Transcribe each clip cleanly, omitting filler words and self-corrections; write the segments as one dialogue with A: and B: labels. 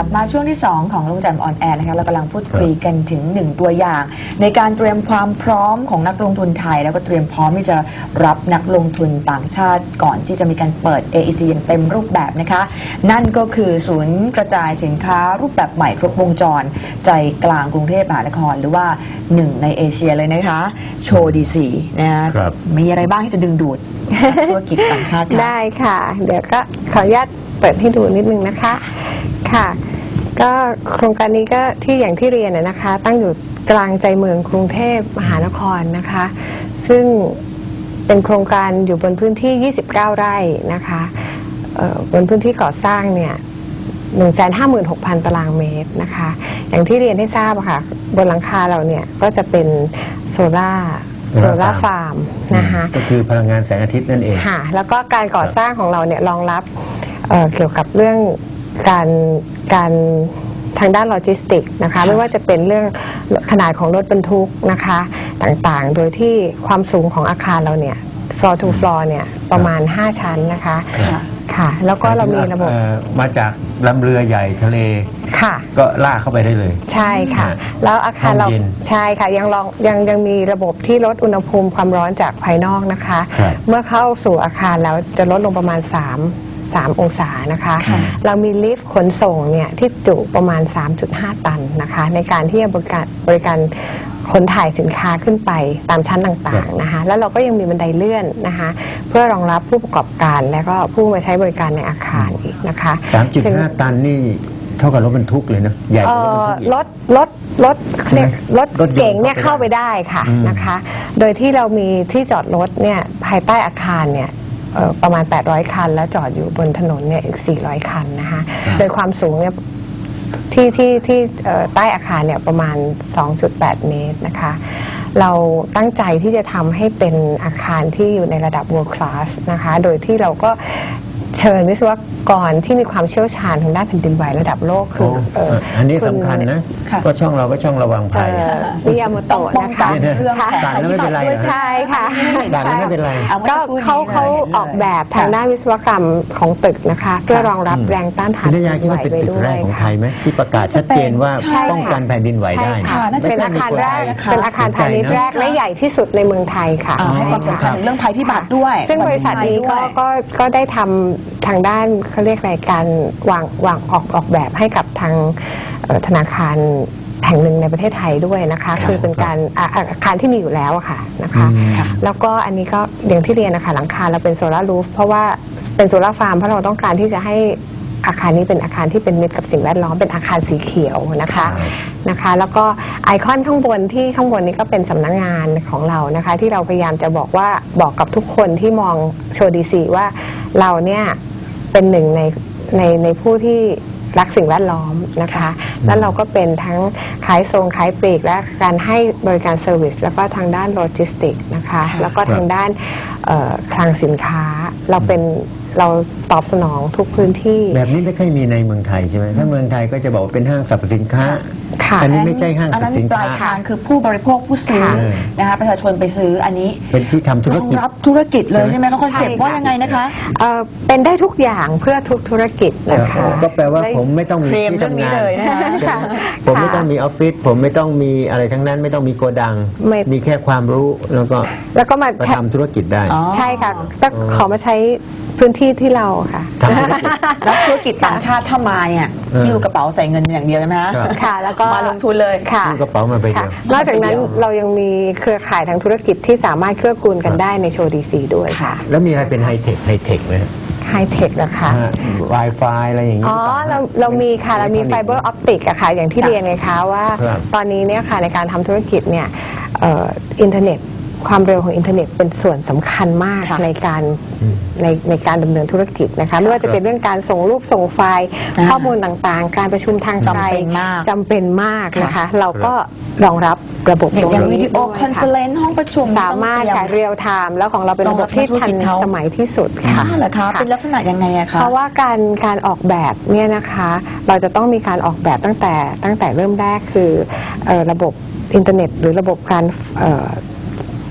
A: บมาช่วงที่2ของลุงแจ่มออนแอร์นะคะเรากำลังพูดคุยกันถึง1ตัวอย่างในการเตรียมความพร้อมของนักลงทุนไทยแล้วก็เตรียมพร้อมที่จะรับนักลงทุนต่างชาติก่อนที่จะมีการเปิด AEC อย่างเต็มรูปแบบนะคะนั่นก็คือศูนย์กระจายสินค้ารูปแบบใหม่ครบวงจรใจกลางกรุงเทพมหานครหรือว่า1ในเอเชียเลยนะคะโชว์ดีซีนะคะมีอะไรบ้างที่จะดึงดูดธุรกิจต่างชาติ
B: ได้ค่ะเดี๋ยวก็ขออนุญาตเปิดให้ดูนิดนึงนะคะค่ะก็โครงการนี้ก็ที่อย่างที่เรียนนะคะตั้งอยู่กลางใจเมืองกรุงเทพมหานครนะคะซึ่งเป็นโครงการอยู่บนพื้นที่ 29 ไร่นะคะบนพื้นที่ก่อสร้างเนี่ย 156,000 ตารางเมตรนะคะอย่างที่เรียนให้ทราบค่ะบนหลังคาเราเนี่ยก็จะเป็นโซล่าฟาร์มนะคะ
C: ก็คือพลังงานแสงอาทิตย์นั่นเอง
B: ค่ะแล้วก็การก่อสร้างของเราเนี่ยรองรับเกี่ยวกับเรื่องการทางด้านโลจิสติกนะคะไม่ว่าจะเป็นเรื่องขนาดของรถบรรทุกนะคะต่างๆโดยที่ความสูงของอาคารเราเนี่ย floor to floor เนี่ยประมาณ5ชั้นนะคะค่ะแล้วก็เรามีระบบ
C: มาจากลำเรือใหญ่ทะเล
B: ค่ะ
C: ก็ลากเข้าไปได้เลย
B: ใช่ค่ะแล้วอาคารเราใช่ค่ะยังมีระบบที่ลดอุณหภูมิความร้อนจากภายนอกนะคะเมื่อเข้าสู่อาคารแล้วจะลดลงประมาณ3 องศานะคะเรามีลิฟต์ขนส่งเนี่ยที่จุประมาณ 3.5 ตันนะคะในการที่จะบริการขนถ่ายสินค้าขึ้นไปตามชั้นต่างๆนะคะแล้วเราก็ยังมีบันไดเลื่อนนะคะเพื่อรองรับผู้ประกอบการและก็ผู้มาใช้บริการในอาคารอีกนะคะ
C: 3.5 ตันนี่เท่ากับรถบรรทุกเลยนะใหญ่กว่ารถบรรทุก
B: รถเก๋งเนี่ยเข้าไปได้ค่ะนะคะโดยที่เรามีที่จอดรถเนี่ยภายใต้อาคารเนี่ยประมาณ800คันแล้วจอดอยู่บนถนนเนี่ยอีก400คันนะคะโดยความสูงเนี่ยที่ใต้อาคารเนี่ยประมาณ 2.8 เมตรนะคะเราตั้งใจที่จะทำให้เป็นอาคารที่อยู่ในระดับ world class นะคะโดยที่เราก็เชิญวิศวกรที่มีความเชี่ยวชาญทางด้านแผ่นดินไหวระดับโลกคือ
C: อันนี้สำคัญนะก็ช่องเราก็ช่องระวังภัย
B: มิยาโมโตะนะคะ
C: สั่นแล้วไม่เป็นไร
B: ใช่ค่ะ
C: สั่นแล้วไม่เป็นไร
B: ก็เขาออกแบบทางด้านวิศวกรรมของตึกนะคะเพื่อรองรับแรงต้านทาน
C: แผ่นดินไหวไปด้วยของไทยไหมที่ประกาศชัดเจนว่าป้องกันแผ่นดินไหวได้
B: เป็นอาคารแรกเป็นอาคารพาณิชย์แรกและใหญ่ที่สุดในเมืองไทยค่ะ
A: ให้ความสำคัญเรื่องภัยพิบัติด้วย
B: ซึ่งบริษัทนี้ก็ได้ทำทางด้านเขาเรียกรายการวางออกแบบให้กับทางธนาคารแห่งหนึ่งในประเทศไทยด้วยนะคะคือเป็นการอาคารที่มีอยู่แล้วค่ะนะคะแล้วก็อันนี้ก็อย่างที่เรียนนะคะหลังคาเราเป็นโซลารูฟเพราะว่าเป็นโซลาฟาร์มเพราะเราต้องการที่จะให้อาคารนี้เป็นอาคารที่เป็นมิตรกับสิ่งแวดล้อมเป็นอาคารสีเขียวนะคะแล้วก็ไอคอนข้างบนนี้ก็เป็นสำนักงานของเรานะคะที่เราพยายามจะบอกกับทุกคนที่มองโชว์ดีซีว่าเราเนี่ยเป็นหนึ่งในผู้ที่รักสิ่งแวดล้อมนะคะแล้วเราก็เป็นทั้งขายส่งขายปลีกและการให้บริการเซอร์วิสแล้วก็ทางด้านโลจิสติกนะคะแล้วก็ทางด้านคลังสินค้าเราตอบสนองทุกพื้นที่
C: แบบนี้ไม่ค่อยมีในเมืองไทยใช่ไหมถ้าเมืองไทยก็จะบอกว่าเป็นห้างสรรพสินค้าอันนี้ไม่ใช่ห้างสรรพสินค้า
A: ปลายทางคือผู้บริโภคผู้ซื้อนะคะประชาชนไปซื้ออันนี้
C: เป็นที่ทำธุรกิจ
A: รับธุรกิจเลยใช่ไหมคอนเซ็ปต์ว่ายังไงนะคะ
B: เป็นได้ทุกอย่างเพื่อทุกธุรกิจนะคะ
C: ก็แปลว่าผมไม่ต้องมีที่ทำงานผมไม่ต้องมีออฟฟิศผมไม่ต้องมีอะไรทั้งนั้นไม่ต้องมีโกดังมีแค่ความรู้แล้วก็มาทำธุรกิจได้
B: ใช่ค่ะก็ขอมาใช้พื้นที่ที่เราค่ะ
A: แล้วธุรกิจต่างชาติถ้ามาเนี่ยคิวกระเป๋าใส่เงินอย่างเดียวนะ
B: ค่ะแล้วก็
A: มาลงทุนเลย
B: ค่ะ
C: กระเป๋ามาไปเดีย
B: วนอกจากนั้นเรายังมีเครือข่ายทางธุรกิจที่สามารถเกื้อกูลกันได้ในโชว์ดีซีด้วยค่ะ
C: แล้วมีอะไรเป็นไฮเทคไหม
B: ไฮเทคนะคะ
C: Wi-Fi อะไรอย่างนี้
B: เรามีค่ะเรามีไฟเบอร์ออปติกอะค่ะอย่างที่เรียนไงคะว่าตอนนี้เนี่ยค่ะในการทำธุรกิจเนี่ยอินเทอร์เน็ตความเร็วของอินเทอร์เน็ตเป็นส่วนสำคัญมากในการดำเนินธุรกิจนะคะไม่ว่าจะเป็นเรื่องการส่งรูปส่งไฟล์ข้อมูลต่างๆการประชุมทางไกลจำเป็นมากนะคะเราก็รองรับระบบ
A: อย่างวิดีโอคอนเฟอเรนซ์ห้องประชุม
B: สามารถค่ะเรียลไทม์แล้วของเราเป็นระบบที่ทันสมัยที่สุดค่ะ
A: เหรอคะเป็นลักษณะยังไงอะคะ
B: เพราะว่าการออกแบบเนี่ยนะคะเราจะต้องมีการออกแบบตั้งแต่เริ่มแรกคือระบบอินเทอร์เน็ตหรือระบบการ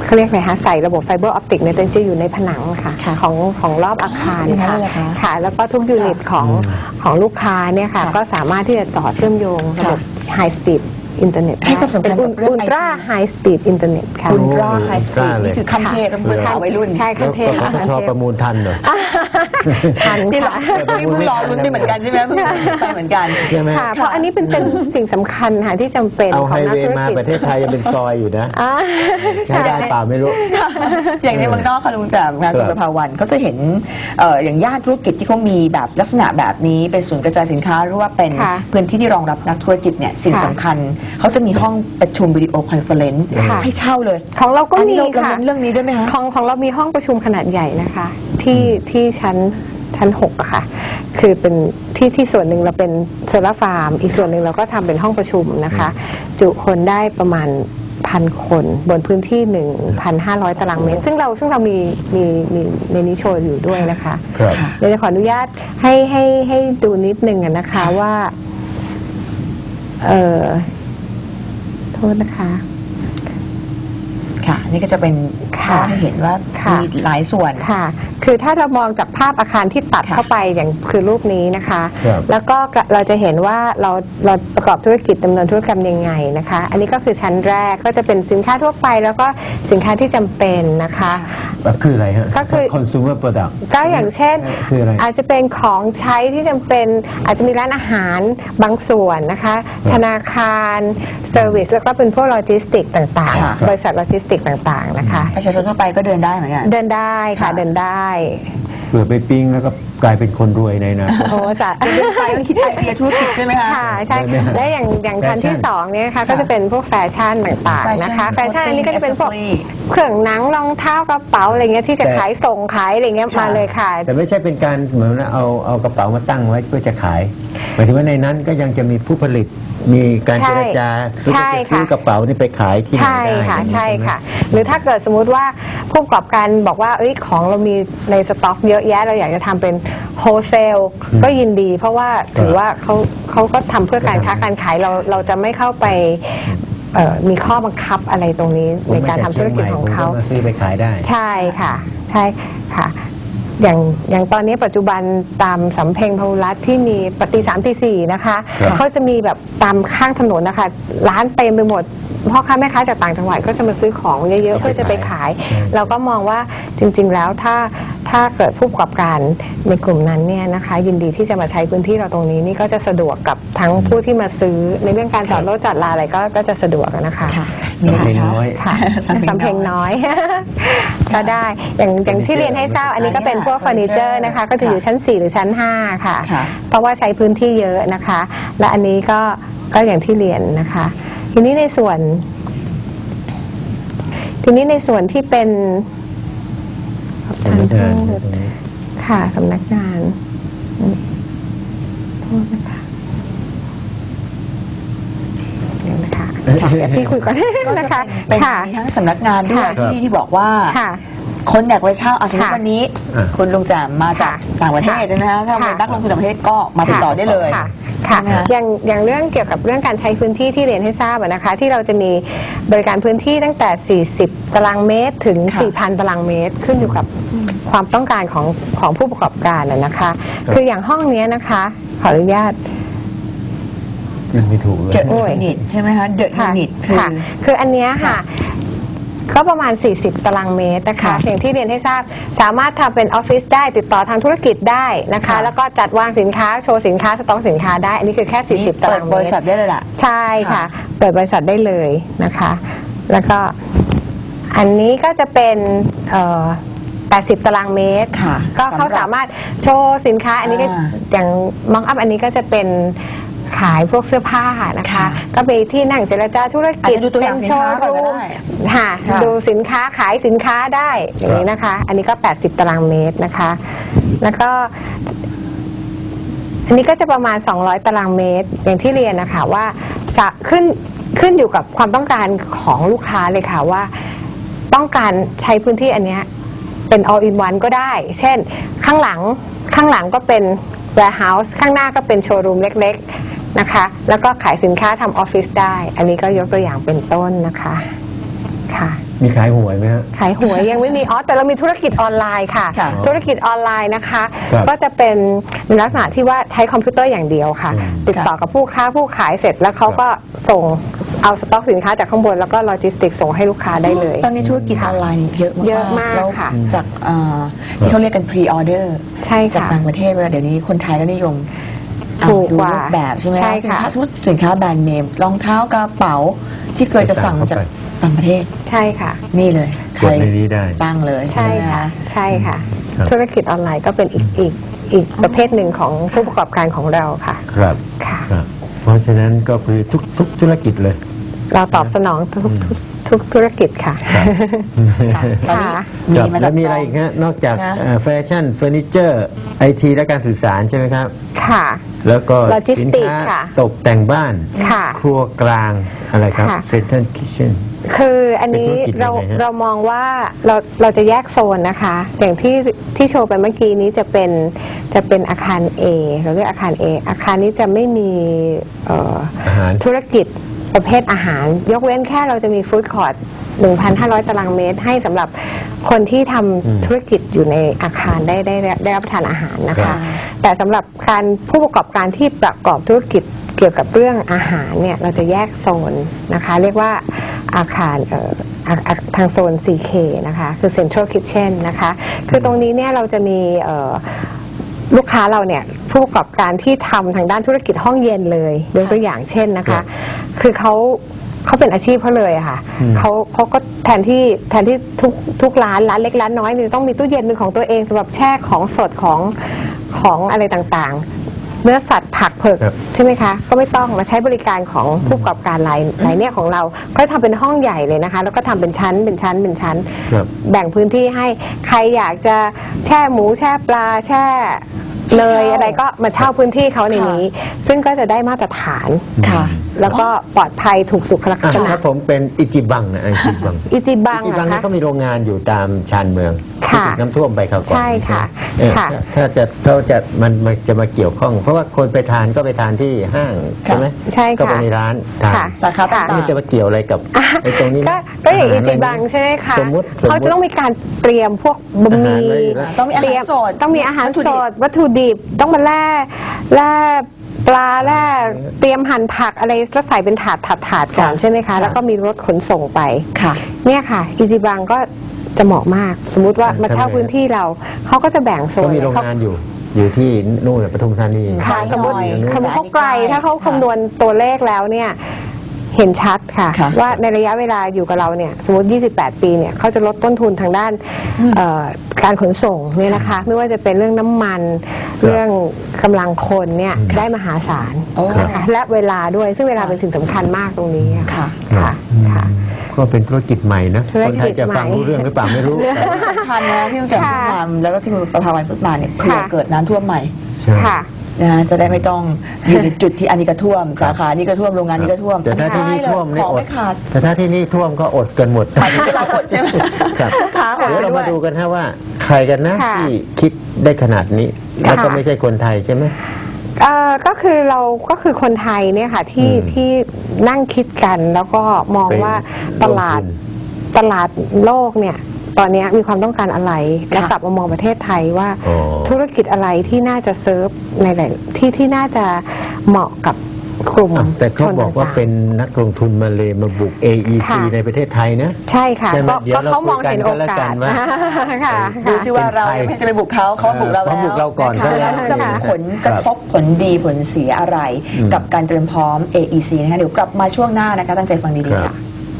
B: เขาเรียกไงคะใส่ระบบไฟเบอร์ออปติกเนี่ยจะอยู่ในผนังค่ะของรอบอาคารค่ะแล้วก็ทุกยูนิตของลูกค้าเนี่ยค่ะก็สามารถที่จะต่อเชื่อมโยงระบบไฮสปีดอินเทอร์เน็ต
A: ให้ความสำคัญกับเรื่อง
B: อุลตร้าไฮสปีดอินเทอร์เน็ตค่ะ
A: อุลตร้าไฮสปีดนี่คือคำเทศภาษาวัยรุ่น
B: ใช่คำเทศ
C: แล้วปตทประมูลทันเหรอ
B: ทันค่ะ
A: นี่เพิ่งรอลุ้นไปเหมือนกันใช่ไหมเพิ่งไปเหมือนกัน
C: ใช่ไหม
B: ค่ะเพราะอันนี้เป็นสิ่งสำคัญค่ะที่จำเป็น
C: เอาไฮ
B: ของนัก
C: เว
B: ธุ
C: ย์
B: ร
C: มา
B: กิจ
C: ประเทศไทยยังเป็นซอยอยู่นะใช้ได้เปล่าไม่รู้
A: อย่างในเมืองนอกค่ะลุงแจ่มงานคุณประภาวันเขาจะเห็นอย่างย่านธุรกิจที่เขามีแบบลักษณะแบบนี้เป็นศูนย์กระจายสินค้าหรือว่าเป็นพื้นที่ที่รองรับนักธุรกิจเนี่ยสิ่งสำคัญเขาจะมีห้องประชุมวิดีโอคอนเฟอเรนซ์ให้เช่าเลย
B: ของเราก็มีค่ะ
A: เรื่องนี้ด้วยไหมคะ
B: ของเรามีห้องประชุมขนาดใหญ่นะคะที่ชั้น6อะค่ะคือเป็นที่ส่วนหนึ่งเราเป็นโซลาร์ฟาร์มอีกส่วนหนึ่งเราก็ทำเป็นห้องประชุมนะคะจุคนได้ประมาณ1,000 คนบนพื้นที่ 1,500 ตารางเมตรซึ่งเรามีในนี้โชว์อยู่ด้วยนะคะเดี๋ยวจะขออนุญาตให้ดูนิดนึงนะคะว่าโทษนะคะ
A: ค่ะนี่ก็จะเป็นให้เห็นว่ามีหลายส่วน
B: ค่ะคือถ้าเรามองจากภาพอาคารที่ตัดเข้าไปอย่างคือรูปนี้นะคะแล้วก็เราจะเห็นว่าเราประกอบธุรกิจดำเนินธุรกรรมยังไงนะคะอันนี้ก็คือชั้นแรกก็จะเป็นสินค้าทั่วไปแล้วก็สินค้าที่จำเป็นนะคะ
C: คืออะไรฮะ
B: ก็คือ
C: consumer product
B: ก็อย่างเช่นอาจจะเป็นของใช้ที่จำเป็นอาจจะมีร้านอาหารบางส่วนนะคะธนาคารเซอร์วิสแล้วก็เป็นพวกโลจิสติกต่างๆบริษัทโลจิสติกต่างๆนะคะ
A: ประชาชนทั่วไปก็เดินได้เหมือนกัน
B: เดินได้ค่ะเดินได้
C: เผื่อไปปิ้งแล้วก็กลายเป็นคนรวยในนะ
B: โอ้จะ
A: เดินไปต้องคิดไอเดียธุรกิจใช่ไหมคะ
B: ค่ะใช่และอย่างชั้นที่2เนี่ยค่ะก็จะเป็นพวกแฟชั่นต่างๆนะคะแฟชั่นอันนี้ก็จะเป็นพวกเครื่องหนังรองเท้ากระเป๋าอะไรเงี้ยที่จะขายส่งขายอะไรเงี้ยมาเลยค่ะ
C: แต่ไม่ใช่เป็นการเหมือนเอากระเป๋ามาตั้งไว้เพื่อจะขายหมายถึงว่าในนั้นก็ยังจะมีผู้ผลิตมีการเจรจาซื้อกระเป๋านี่ไปขายที่ไหนได้
B: ใช่ค่ะหรือถ้าเกิดสมมุติว่าผู้ประกอบการบอกว่าของเรามีในสต็อกเยอะแยะเราอยากจะทำเป็นโฮลเซลก็ยินดีเพราะว่าถือว่าเขาก็ทำเพื่อการค้าการขายเราจะไม่เข้าไปมีข้อบังคับอะไรตรงนี้ในการทำธุรกิจของเขา
C: ซื้อไปขายได้
B: ใช่ค่ะใช่ค่ะอย่างตอนนี้ปัจจุบันตามสำเพ็งพหุรัฐที่มีปฏิ3 ตี 4นะคะเขาจะมีแบบตามข้างถนนนะคะร้านเต็มไปหมดพ่อค้าแม่ค้าจากต่างจังหวัดก็จะมาซื้อของเยอะๆเพื่อจะไปขายเราก็มองว่าจริงๆแล้วถ้าเกิดผู้ประกอบการในกลุ่มนั้นเนี่ยนะคะยินดีที่จะมาใช้พื้นที่เราตรงนี้นี่ก็จะสะดวกกับทั้งผู้ที่มาซื้อในเรื่องการจอดรถจอดลาอะไรก็จะสะดวกนะคะ
C: สำเพ็งน้อย
B: สำเพ็งน้อยก็ได้อย่างที่เรียนให้ทราบอันนี้ก็เป็นพวกเฟอร์นิเจอร์นะคะก็จะอยู่ชั้น4หรือชั้น5ค่ะเพราะว่าใช้พื้นที่เยอะนะคะและอันนี้ก็อย่างที่เรียนนะคะทีนี้ในส่วนที่เป็นค่ะสำนักงานโทษนะคะเดี๋ยวนะคะเดี๋ยวพี่คุยก่อนนะคะ
A: เป็นมีทั้งสำนักงานด้วยที่บอกว่าคนอยากไปเช่าสมมติวันนี้คุณลุงแจ่มมาจากต่างประเทศใช่ไหมคะถ้าเป็นนักลงทุนต่างประเทศก็มาติดต่อได้เลย
B: ค่ะอย่างเรื่องเกี่ยวกับเรื่องการใช้พื้นที่ที่เรียนให้ทราบนะคะที่เราจะมีบริการพื้นที่ตั้งแต่40 ตารางเมตรถึง 4,000 ตารางเมตรขึ้นอยู่กับความต้องการของผู้ประกอบการนะคะคืออย่างห้องนี้นะคะขออนุญาต
C: ไม่ถูกเลย
A: เดอะยูนิตใช่ไหมคะเดอะยูนิต
B: คืออันนี้ค่ะก็ประมาณ40 ตารางเมตรนะคะอย่างที่เรียนให้ทราบสามารถทำเป็นออฟฟิศได้ติดต่อทางธุรกิจได้นะคะแล้วก็จัดวางสินค้าโชว์สินค้าสต็อกสินค้าได้อันนี้คือแค่40 ตารางเมตร
A: เปิดบริษัทได้เลยล่ะ
B: ใช่ค่ะเปิดบริษัทได้เลยนะคะแล้วก็อันนี้ก็จะเป็น80 ตารางเมตรก็เขาสามารถโชว์สินค้าอันนี้ก็อย่างมองอัพอันนี้ก็จะเป็นขายพวกเสื้อผ้านะคะก็ไปที่นั่งเจรจาธุรกิจ
A: เป็นโชว์รูม
B: ค่ะดูสินค้าขายสินค้าได้อย่างนี้นะคะอันนี้ก็80 ตารางเมตรนะคะแล้วก็อันนี้ก็จะประมาณ200 ตารางเมตรอย่างที่เรียนนะคะว่าขึ้นอยู่กับความต้องการของลูกค้าเลยค่ะว่าต้องการใช้พื้นที่อันนี้เป็น all in one ก็ได้เช่นข้างหลังก็เป็น warehouse ข้างหน้าก็เป็นโชว์รูมเล็กๆนะคะแล้วก็ขายสินค้าทำออฟฟิศได้อันนี้ก็ยกตัวอย่างเป็นต้นนะคะค่ะ
C: มีขายหวยไหมฮะ
B: ขายหวยยังไม่มีแต่เรามีธุรกิจออนไลน์ค่ะ
A: ค่ะ
B: ธุรกิจออนไลน์นะคะ
C: ครับ
B: ก็จะเป็นในลักษณะที่ว่าใช้คอมพิวเตอร์อย่างเดียวค่ะ ติดต่อกับผู้ค้าผู้ขายเสร็จแล้วเขาก็ส่งเอาสต็อกสินค้าจากข้างบนแล้วก็โลจิสติกส่งให้ลูกค้าได้เลย
A: ตอนนี้ธุรกิจออนไลน์เยอะมาก
B: เยอะมาก
A: แล้ว
B: ค่ะ
A: จากที่เขาเรียกกัน pre order
B: ใช่
A: จาก
B: ค่ะ
A: ต่างประเทศเวลาเดี๋ยวนี้คนไทยก็นิยม
B: ถูก
A: ดู
B: กว่า
A: รูปแบบใช่ไหม
B: ใช่
A: สิน
B: ค่ะ
A: ค้าสมมติสินค้าแบรนด์เนมรองเท้ากระเป๋าที่เคยจะสั่งมาจากต่างประเทศ
B: ใช่ค่ะ
A: นี่เลย
C: กดในนี้ได้
A: ตั้งเลย
B: ใช่
A: ไหม
B: ค่ะใช่ค่ะ
C: ครับ
B: ธุรกิจออนไลน์ก็เป็นอีกประเภทหนึ่งของผู้ประกอบการของเราค่ะ
C: ครับ
B: ค่ะ
C: ครับ เพราะฉะนั้นก็คือทุกธุรกิจเลย
B: เราตอบสนองทุกธุรกิจค่ะ
A: ค่ะตอนนี้
B: ค่ะ
A: มี
C: ครับ
A: มา
C: แล้
A: จาก
C: วมีอะไรอีกฮะนอกจาก
A: นะ
C: แฟชั่นเฟอร์นิเจอร์ไอทีและการสื่อสารใช่ไหมครับ
B: ค่ะ
C: แล้วก็
B: โลจิส
C: สิน
B: ติก
C: ค้า
B: ค่ะ
C: ตกแต่งบ้าน
B: ค่ะ
C: ครัวกลางอะไรครับ
B: ค่ะ
C: เซ็นทรัลคิทเช่น
B: คืออันนี้
C: เป็นธุรกิจยังไงฮะ
B: เรามองว่าเราจะแยกโซนนะคะ อย่างที่โชว์ไปเมื่อกี้นี้จะเป็นอาคาร A เราเรียกอาคาร A อาคารนี้จะไม่มี
C: อาหาร
B: ธุรกิจประเภทอาหาร ยกเว้นแค่เราจะมีฟู้ดคอร์ท 1,500 ตารางเมตร ให้สำหรับคนที่ทำธุรกิจอยู่ในอาคารได้รับประทานอาหารนะ
C: ครั
B: คะ
C: บ
B: แต่สำหรับการผู้ประกอบการที่ประกอบธุรกิจเกี่ยวกับเรื่องอาหารเนี่ยเราจะแยกโซนนะคะ เรียกว่าอาคารทางโซน 4K นะคะคือ Central Kitchen นะคะคือตรงนี้เนี่ยเราจะมีลูกค้าเราเนี่ยผู้ประกอบการที่ทำทางด้านธุรกิจห้องเย็นเลยยกตัวอย่างเช่นนะคะ คือเขาเป็นอาชีพเขาเลยอะค่ะเขาก็แทนที่ทุกร้านเล็กร้านน้อยเนี่ยจะต้องมีตู้เย็นเป็นของตัวเองสำหรับแช่ของสดของอะไรต่างๆ เนื้อสัตว์ผักเผือก
C: ครับ
B: ใช่ไหมคะก็ไม่ต้องมาใช้บริการของผู้ประกอบการรายเนี่ยของเราก็ทำเป็นห้องใหญ่เลยนะคะ แล้วก็ทำเป็นชั้น
C: ครับ
B: แบ่งพื้นที่ให้ใครอยากจะแช่หมูแช่ปลาแช่เลยอะไรก็มาเช่าพื้นที่เขาในนี้ ซึ่งก็จะได้มาตรฐาน
A: ค่ะ
B: แล้วก็ปลอดภัยถูกสุขลักษณะ
C: ถ้าผมเป็นอิจิบังนะอิจิบัง
B: อิจิบัง
C: อิจิบัง
B: เหรอ
C: นี่
B: คะ
C: ก็มีโรงงานอยู่ตามชานเมือง
B: ค่ะ
C: ที่ถูกน้ำท่วมไปคราวก่อน
B: ใช่ค่ะ
C: เออ
B: ค่ะ
C: ถ้ามันจะมาเกี่ยวข้อง เพราะว่าคนไปทานก็ไปทานที่ห้างใช่ไหม
B: ใช่ค่ะ
C: ก็ไปในร้านทาน
B: ค่ะ
A: สาขาต่างๆ
C: มันจะมาเกี่ยวอะไรกับไอ้ตรงนี้ไหม
B: ก็อย่างอิ
C: หร
B: จิบังใช่ไหมคะ
C: สมมุติ
B: เขาจะต้องมีการเตรียมพวกบะหมี่
C: อาหารไว้อยู่แล้ว
A: ต้องมีอาหาร
B: เตรีย
A: สด
B: ต้องมีอาหาร
A: วัตถุ
B: ส
A: ดิบ
B: ดวัตถุดิบต้องมาแล่ปลาแล่เตรียมหั่นผักอะไรแล้วใส่เป็นถาดก่อนใช่ไหมคะแล้วก็มีรถขนส่งไป
A: ค่ะ
B: เนี่ยค่ะอิจิบังก็จะเหมาะมาก สมมุติว่ามาเช่าพื้นที่เราเขาก็จะแบ่งโซ
C: ก็
B: น
C: มีโรงงานอยู่ที่นู่นน่ะปทุมธานี
B: ค่ะสมมติ
A: หน่อย
B: เขาไกล
A: ค่ะ
B: ถ้าเขาคำนวณตัวเลขแล้วเนี่ยเห็นชัดค่ะ
A: ค่ะ
B: ว่าในระยะเวลาอยู่กับเราเนี่ยสมมติ 28 ปีเนี่ยเขาจะลดต้นทุนทางด้านการขนส่งเนี่ยนะคะ ไม่ว่าจะเป็นเรื่องน้ำมัน เรื่องกำลังคนเนี่ยได้มหาศาล
A: โอ้
B: นะคะและเวลาด้วยซึ่งเวลาเป็นสิ่งสำคัญมากตรงนี้อะ
A: ค่ะ
B: ค่ะค่ะ
C: ก็เป็นธุรกิจใหม่นะ
B: ธุร
C: คน
B: กิจ
C: ไทยจะฟัง
B: ใหม่
C: รู้เรื่องหรือเปล่าไม่รู้
A: สำคัญนะพี่ลุงแจ่มพูดมาแล้วก็ที่คุณประภาวันพูดมาเนี่ยเผื่อ
B: ค่ะ
A: เกิดน้ำท่วมใหม่
C: ใช่
B: ค่ะ
A: นะฮะจะได้ไม่ต้องอยู่ในจุดที่อันนี้ก็ท่วม สาขานี้ก็ท่วมโรงงานนี้ก็ท่วม
C: แต่ถ้าที่นี่ท่วม
A: ข
C: นี่
A: อง
C: อด
A: ไม่ขาด
C: แต่ถ้าที่นี่ท่วมก็อดกันหมด
A: หมายถึงเราอดใช่ไหม
C: ครับ
A: ขาอด
C: เดี๋ยวเรา
A: ด้ว
C: มาย ดูกันฮะว่าใครกันนะ
B: ค่ะ
C: ที่คิดได้ขนาดนี้ แล้วก็ไม่ใช่คนไทยใช่ไหม
B: ก็คือคนไทยเนี่ยค่ะที่นั่งคิดกันแล้วก็มองว่าตลาดโลกเนี่ยตอนนี้มีความต้องการอะไร แล้วกลับมามองประเทศไทยว่า
C: อ๋อ
B: ธุรกิจอะไรที่น่าจะเซิร์ฟในหลายที่น่าจะเหมาะกับกลุ่ม
C: แต่เขาบอกว่า
B: ชนต่งๆ
C: เป็นนักลงทุนมาเลยมาบุก AEC
B: ค่ะ
C: ในประเทศไทยนะ
B: ใช่ค่ะ
C: ใช่ไหม
B: ก็
C: เดี๋ยว
B: เขามองเห็นโอ
C: เราคุยกันก็แล้ว
B: กา
C: กั
B: ส
C: นว่า
B: ค่ะ
A: ดูซิว่าเราเนี่ยไม่จะไปบุกเขาบุกเราแล้ว
C: เขาบุกเราก่อนซะแล้ว
A: จะมีผลกระทบผลดีผลเสียอะไร กับการเตรียมพร้อม AEC นะคะเดี๋ยวกลับมาช่วงหน้านะคะตั้งใจฟังดี
C: ครั
A: ๆ
C: บ
A: ค่ะ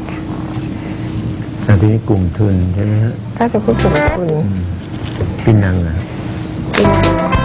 C: อันนี้กลุ่มทุนใช่ไหมฮะ
B: ก็จะพูดถึงคุณ
C: ปินังอ่ะ
B: ปีนัง